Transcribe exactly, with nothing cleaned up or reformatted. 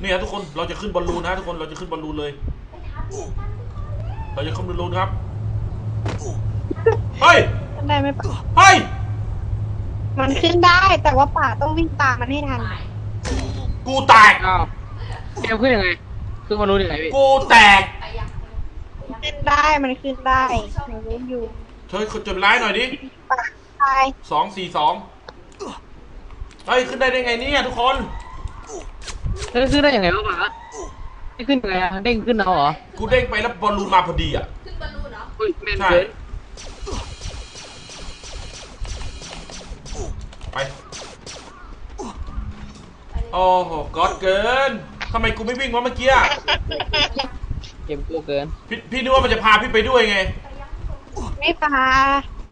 เนี่ยทุกคนเราจะขึ้นบอลลูนนะทุกคนเราจะขึ้นบอลลูนเลยเราจะขึ้นบอลลูนครับเฮ้ยได้ไหมป่าเฮ้ยมันขึ้นได้แต่ว่าป่าต้องวิ่งตามมันให้ทันกูแตกอ้าวเกมขึ้นยังไงขึ้นมารู้ยังไงพี่กูแตกขึ้นได้มันขึ้นได้หนูรู้อยู่ช่วยจดไลน์หน่อยดิป่าตายสองสี่สองเฮ้ยขึ้นได้ได้ไงเนี่ยทุกคนเฮ้ยขึ้นได้ยังไงวะป๋าไม่ขึ้นยังไงอะเด้งขึ้นเอาเหรอกูเด้งไปแล้วบอลลูนมาพอดีอ่ะขึ้นบอลลูนเหรออุ้ยแม่นใช่เกินไปโอ้โหก๊อดเกินทำไมกูไม่วิ่งวะเมื่อกี้เกมกูเกินพี่พี่นึกว่ามันจะพาพี่ไปด้วยไงไม่ป่า